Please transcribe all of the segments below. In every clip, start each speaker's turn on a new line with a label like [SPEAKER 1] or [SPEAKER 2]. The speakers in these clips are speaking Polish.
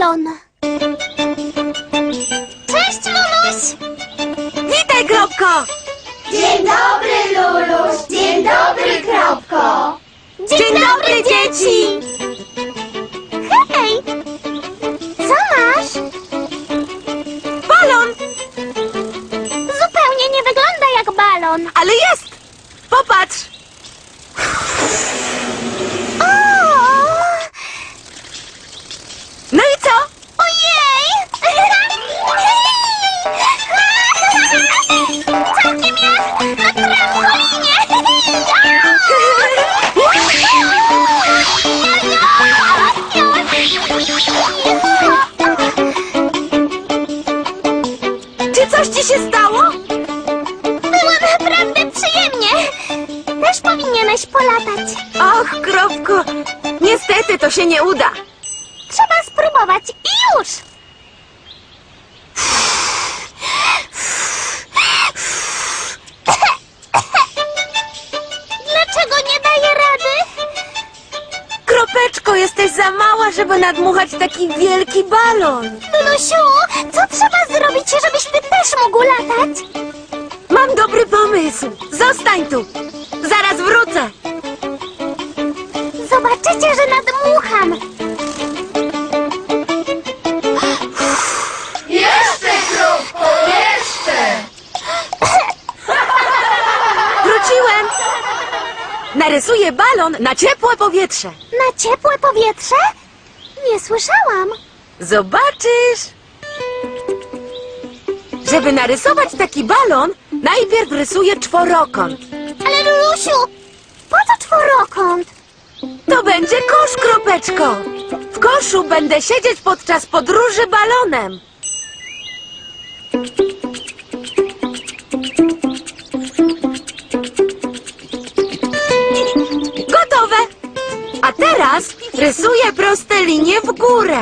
[SPEAKER 1] balon. Cześć, Luluś!
[SPEAKER 2] Witaj, Kropko!
[SPEAKER 3] Dzień dobry, Luluś! Dzień dobry, Kropko!
[SPEAKER 2] Dzień dobry, dzieci!
[SPEAKER 1] Hej! Co masz?
[SPEAKER 2] Balon!
[SPEAKER 1] Zupełnie nie wygląda jak balon.
[SPEAKER 2] Ale jest! Popatrz!
[SPEAKER 1] O!
[SPEAKER 2] No i co?
[SPEAKER 1] Ojej! Całkiem jak na trampolinie!
[SPEAKER 2] Czy coś ci się stało?
[SPEAKER 1] Było naprawdę przyjemnie. Też powinieneś polatać.
[SPEAKER 2] Och, Kropko! Niestety to się nie uda.
[SPEAKER 1] Trzeba spróbować i już! Dlaczego nie daję rady?
[SPEAKER 2] Kropeczko, jesteś za mała, żeby nadmuchać taki wielki balon.
[SPEAKER 1] Lulusiu, co trzeba zrobić, żebyś ty też mógł latać?
[SPEAKER 2] Mam dobry pomysł. Zostań tu. Zaraz wrócę.
[SPEAKER 1] Zobaczycie, że nadmucham.
[SPEAKER 3] Jeszcze, Kropko, jeszcze!
[SPEAKER 2] Wróciłem. Narysuję balon na ciepłe powietrze.
[SPEAKER 1] Na ciepłe powietrze? Nie słyszałam.
[SPEAKER 2] Zobaczysz. Żeby narysować taki balon, najpierw rysuję czworokąt.
[SPEAKER 1] Ale Lulusiu, po co czworokąt?
[SPEAKER 2] To będzie kosz, Kropeczko. W koszu będę siedzieć podczas podróży balonem. Gotowe. A teraz rysuję proste linie w górę.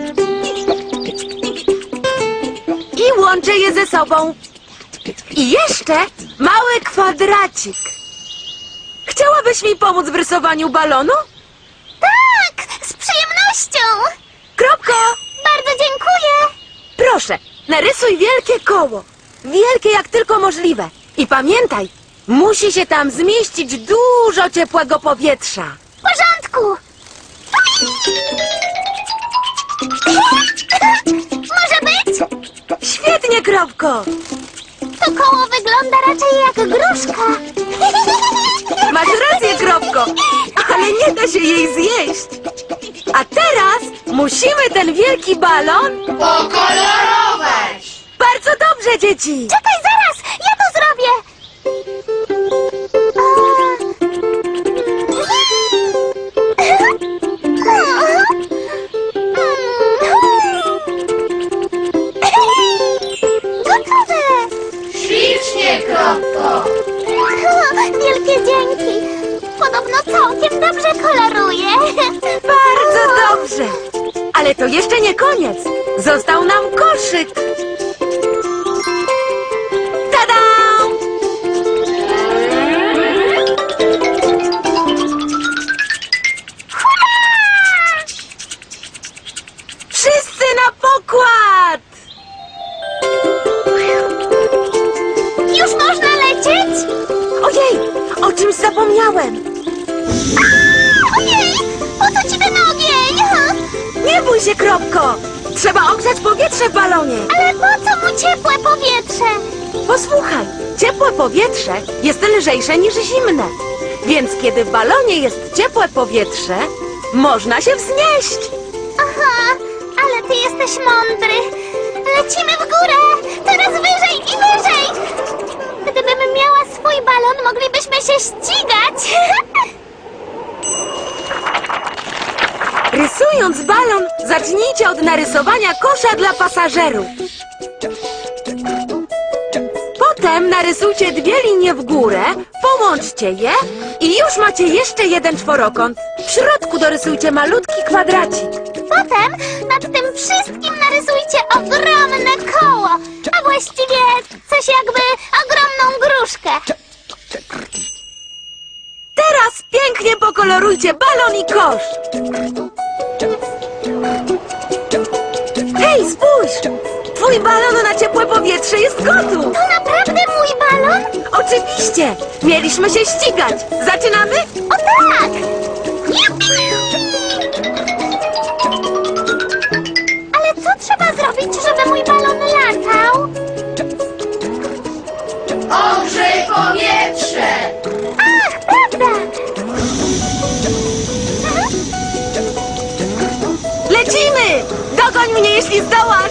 [SPEAKER 2] I łączę je ze sobą. I jeszcze mały kwadracik. Chciałabyś mi pomóc w rysowaniu balonu?
[SPEAKER 1] Tak, z przyjemnością.
[SPEAKER 2] Kropko!
[SPEAKER 1] Bardzo dziękuję.
[SPEAKER 2] Proszę, narysuj wielkie koło. Wielkie jak tylko możliwe. I pamiętaj, musi się tam zmieścić dużo ciepłego powietrza.
[SPEAKER 1] W porządku. Może być?
[SPEAKER 2] Świetnie, Kropko!
[SPEAKER 1] To koło wygląda raczej jak gruszka.
[SPEAKER 2] Masz rację, Kropko, ale nie da się jej zjeść. A teraz musimy ten wielki balon...
[SPEAKER 3] Pokolorować!
[SPEAKER 2] Bardzo dobrze, dzieci!
[SPEAKER 1] Czekaj, zaraz! Ja to zrobię! Gotowe!
[SPEAKER 3] Ślicznie, Kropko!
[SPEAKER 1] Wielkie dzięki! Podobno całkiem dobrze koloruje.
[SPEAKER 2] Bardzo dobrze! Ale to jeszcze nie koniec. Został nam koszyk. Tada! Wszyscy na pokład!
[SPEAKER 1] Już można lecieć?
[SPEAKER 2] Ojej, o czymś zapomniałem.
[SPEAKER 1] Ojej! Po co ci ten ogień?
[SPEAKER 2] Nie bój się, Kropko. Trzeba ogrzać powietrze w balonie.
[SPEAKER 1] Ale po co mu ciepłe powietrze?
[SPEAKER 2] Posłuchaj, ciepłe powietrze jest lżejsze niż zimne. Więc kiedy w balonie jest ciepłe powietrze, można się wznieść.
[SPEAKER 1] Aha, ale ty jesteś mądry. Lecimy w górę! Teraz wyżej i wyżej! Gdybym miała swój balon, moglibyśmy się ścigać.
[SPEAKER 2] Rysując balon, zacznijcie od narysowania kosza dla pasażerów. Potem narysujcie dwie linie w górę, połączcie je i już macie jeszcze jeden czworokąt. W środku dorysujcie malutki kwadracik.
[SPEAKER 1] Potem nad tym wszystkim narysujcie ogromne koło, a właściwie coś jakby ogromną gruszkę.
[SPEAKER 2] Teraz pięknie pokolorujcie balon i kosz. Twój balon na ciepłe powietrze jest gotów!
[SPEAKER 1] To naprawdę mój balon?
[SPEAKER 2] Oczywiście! Mieliśmy się ścigać! Zaczynamy?
[SPEAKER 1] O tak! Jupi! Ale co trzeba zrobić, żeby mój balon latał?
[SPEAKER 3] Ogrzej powietrze.
[SPEAKER 1] Ach, prawda!
[SPEAKER 2] Lecimy! Dogoń mnie, jeśli zdołasz!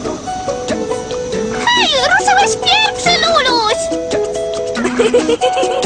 [SPEAKER 1] Hej, ruszyłeś pierwszy, Luluś!